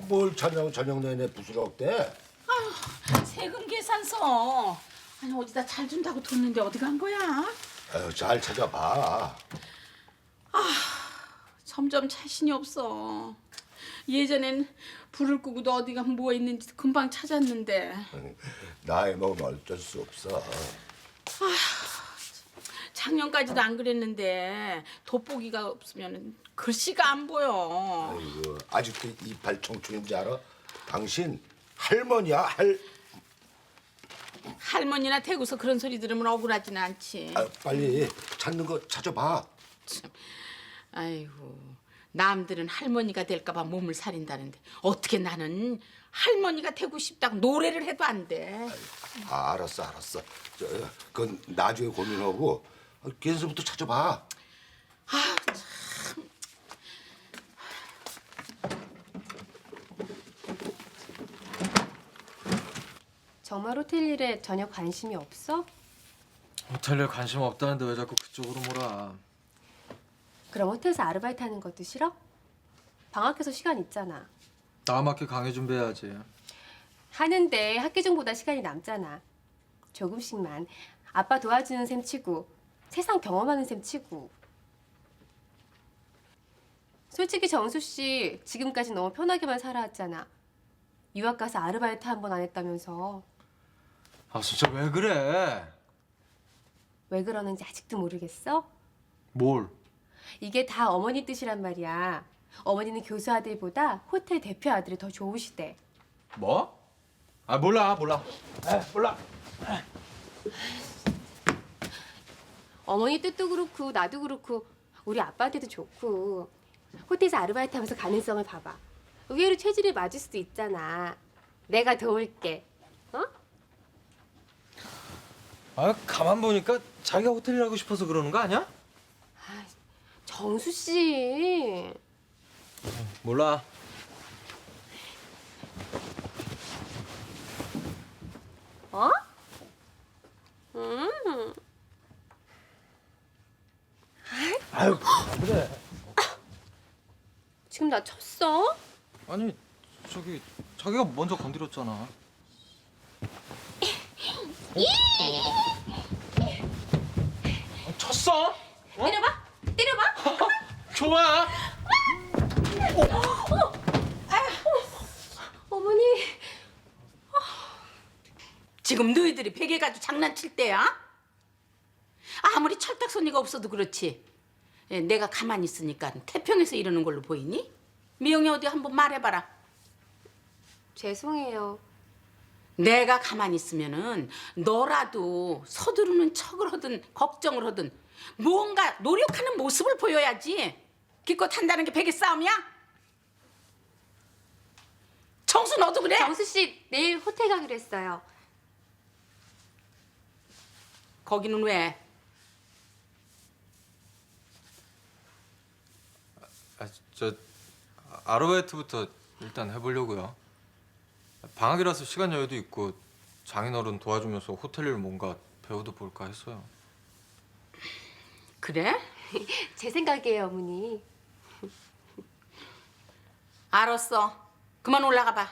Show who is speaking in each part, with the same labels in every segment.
Speaker 1: 뭘 저녁 내내 부스럭대?
Speaker 2: 세금 계산서. 아니 어디다 잘 준다고 뒀는데 어디 간 거야?
Speaker 1: 아유, 잘 찾아봐.
Speaker 2: 점점 자신이 없어. 예전엔 불을 끄고도 어디가 뭐 있는지 금방 찾았는데
Speaker 1: 나이 먹으면 어쩔 수 없어.
Speaker 2: 작년까지도 안 그랬는데 돋보기가 없으면 글씨가 안 보여.
Speaker 1: 아이고, 아직도 이빨 청춘인지 알아? 당신 할머니야,
Speaker 2: 할머니나 대구서 그런 소리 들으면 억울하지는 않지.
Speaker 1: 빨리 찾는 거 찾아봐.
Speaker 2: 아이고, 남들은 할머니가 될까 봐 몸을 사린다는데 어떻게 나는 할머니가 되고 싶다고 노래를 해도 안 돼.
Speaker 1: 알았어. 그건 나중에 고민하고 걔서부터 찾아봐.
Speaker 3: 정말 호텔 일에 전혀 관심이 없어?
Speaker 4: 호텔에 관심 없다는데 왜 자꾸 그쪽으로 몰아?
Speaker 3: 그럼 호텔에서 아르바이트 하는 것도 싫어? 방학해서 시간 있잖아.
Speaker 4: 다음 학기 강의 준비해야지.
Speaker 3: 하는데 학기 중보다 시간이 남잖아. 조금씩만 아빠 도와주는 셈 치고 세상 경험하는 셈 치고. 솔직히 정수 씨 지금까지 너무 편하게만 살아왔잖아. 유학 가서 아르바이트 한 번 안 했다면서.
Speaker 4: 아 진짜 왜 그래?
Speaker 3: 왜 그러는지 아직도 모르겠어?
Speaker 4: 뭘?
Speaker 3: 이게 다 어머니 뜻이란 말이야. 어머니는 교수 아들보다 호텔 대표 아들이 더 좋으시대.
Speaker 4: 뭐? 아 몰라. 몰라.
Speaker 3: 어머니 뜻도 그렇고 나도 그렇고 우리 아빠한테도 좋고. 호텔에서 아르바이트 하면서 가능성을 봐봐. 의외로 체질이 맞을 수도 있잖아. 내가 도울게. 어?
Speaker 4: 아 가만 보니까 자기가 호텔 일하고 싶어서 그러는 거 아니야?
Speaker 3: 정수 씨.
Speaker 4: 몰라.
Speaker 3: 어?
Speaker 4: 아유 그래.
Speaker 3: 지금 나 쳤어?
Speaker 4: 아니 저기 자기가 먼저 건드렸잖아. 쳤어?
Speaker 3: 때려봐. 때려봐.
Speaker 4: 좋아.
Speaker 3: 어머니.
Speaker 2: 지금 너희들이 베개 가지고 장난칠 때야? 아무리 철딱서니가 없어도 그렇지. 내가 가만히 있으니까 태평에서 이러는 걸로 보이니? 미영이 어디 한번 말해봐라.
Speaker 3: 죄송해요.
Speaker 2: 내가 가만히 있으면은 너라도 서두르는 척을 하든 걱정을 하든 뭔가 노력하는 모습을 보여야지. 기껏 한다는 게 베개 싸움이야? 정수 너도 그래?
Speaker 3: 정수 씨 내일 호텔 가기로 했어요.
Speaker 2: 거기는 왜?
Speaker 4: 저 아르바이트부터 일단 해보려고요. 방학이라서 시간 여유도 있고 장인어른 도와주면서 호텔 일 뭔가 배워도 볼까 했어요.
Speaker 2: 그래?
Speaker 3: 제 생각이에요, 어머니.
Speaker 2: 알았어. 그만 올라가 봐.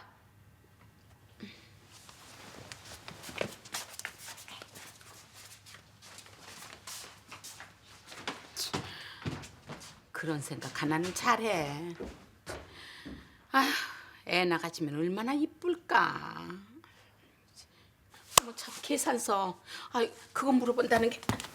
Speaker 2: 그런 생각 하나는 잘해. 아휴, 애 나가지면 얼마나 이쁠까. 뭐 참 계산서. 아, 그거 물어본다는 게